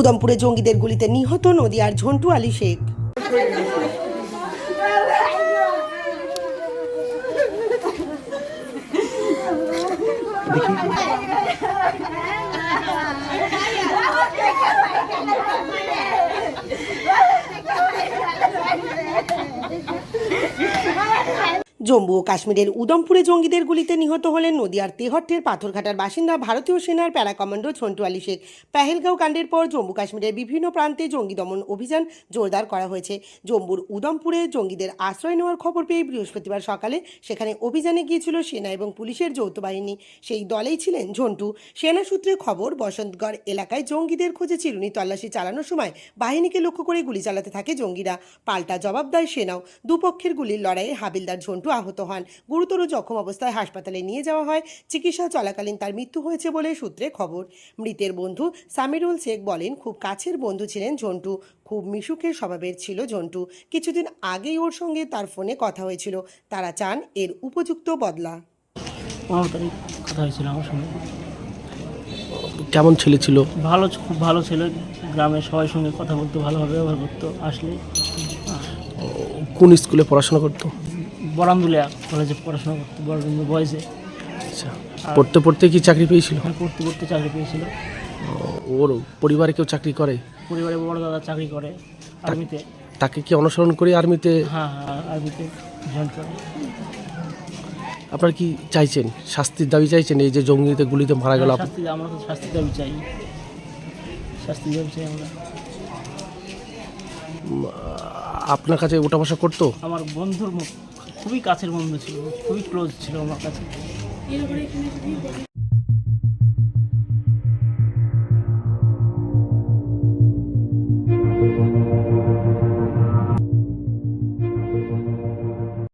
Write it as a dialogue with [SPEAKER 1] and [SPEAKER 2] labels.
[SPEAKER 1] উদমপুরে জঙ্গিদের গুলিতে নিহত নদিয়ার ঝন্টু আলী শেখ। জম্মু ও কাশ্মীরের উদমপুরে জঙ্গিদের গুলিতে নিহত হলেন নদিয়ার তেহট্টের পাথরঘাটার বাসিন্দা ভারতীয় সেনার প্যারা কমান্ডো ঝন্টু আলী শেখ। পেহেলগাঁও কাণ্ডের পর জম্মু কাশ্মীরের বিভিন্ন প্রান্তে জঙ্গি দমন অভিযান জোরদার করা হয়েছে। জম্মুর উদমপুরে জঙ্গিদের আশ্রয় নেওয়ার খবর পেয়ে বৃহস্পতিবার সকালে সেখানে অভিযানে গিয়েছিল সেনা এবং পুলিশের যৌথ বাহিনী। সেই দলেই ছিলেন ঝন্টু। সেনা সূত্রে খবর, বসন্তগড় এলাকায় জঙ্গিদের খোঁজে চিরুনি তল্লাশি চালানোর সময় বাহিনীকে লক্ষ্য করে গুলি চালাতে থাকে জঙ্গিরা। পাল্টা জবাব দেয় সেনাও। দুপক্ষের গুলির লড়াইয়ে হাবিলদার ঝন্টু আহত হন। গুরুতর জখম অবস্থায় হাসপাতালে নিয়ে যাওয়া হয়। চিকিৎসা চলাকালীন তার মৃত্যু হয়েছে বলে সূত্রে খবর। মৃতের বন্ধু সামিরুল শেখ বলেন, খুব কাছের বন্ধু ছিলেন ঝন্টু। খুব মিশুকের স্বভাবের ছিল ঝন্টু। কিছুদিন আগেই ওর সঙ্গে তার ফোনে কথা হয়েছিল। তারা চান এর উপযুক্ত বদলা।
[SPEAKER 2] কথা হয়েছিল আমার সঙ্গে।
[SPEAKER 3] কেমন ছেলে ছিল?
[SPEAKER 2] ভালো, খুব ভালো ছিল। গ্রামের সবার সঙ্গে কথা বলতো, ভালোভাবে ব্যবহার করতো। আসলে
[SPEAKER 3] কোন স্কুলে পড়াশোনা করতো?
[SPEAKER 2] বরামদুলিয়া কলেজে পড়াশোনা করতো, বরামদুলিয়া বয়েজে।
[SPEAKER 3] আচ্ছা, পড়তে পড়তে কি চাকরি পেয়েছিল?
[SPEAKER 2] পড়তে পড়তে চাকরি পেয়েছিল।
[SPEAKER 3] ওর পরিবারে কেউ চাকরি করে?
[SPEAKER 2] পরিবারে বড় দাদা চাকরি করে আর্মিতে।
[SPEAKER 3] তাকে কি অনুসরণ করে আর্মিতে?
[SPEAKER 2] হ্যাঁ, আর্মিতে জয়েন করে।
[SPEAKER 3] আপনারা কি চাইছেন? শাস্তির দাবি চাইছেন? এই যে জঙ্গিতে গুলিতে মারা গেল,
[SPEAKER 2] শাস্তি, আমরা তো শাস্তির দাবি চাই। শাস্তির দাবি চাই আমরা।
[SPEAKER 3] আপনার কাছে ওঠা বসা করতো?
[SPEAKER 2] আমার বন্ধুর খুবই কাছের বন্ধু ছিল, খুবই ক্লোজ ছিল আমার কাছে।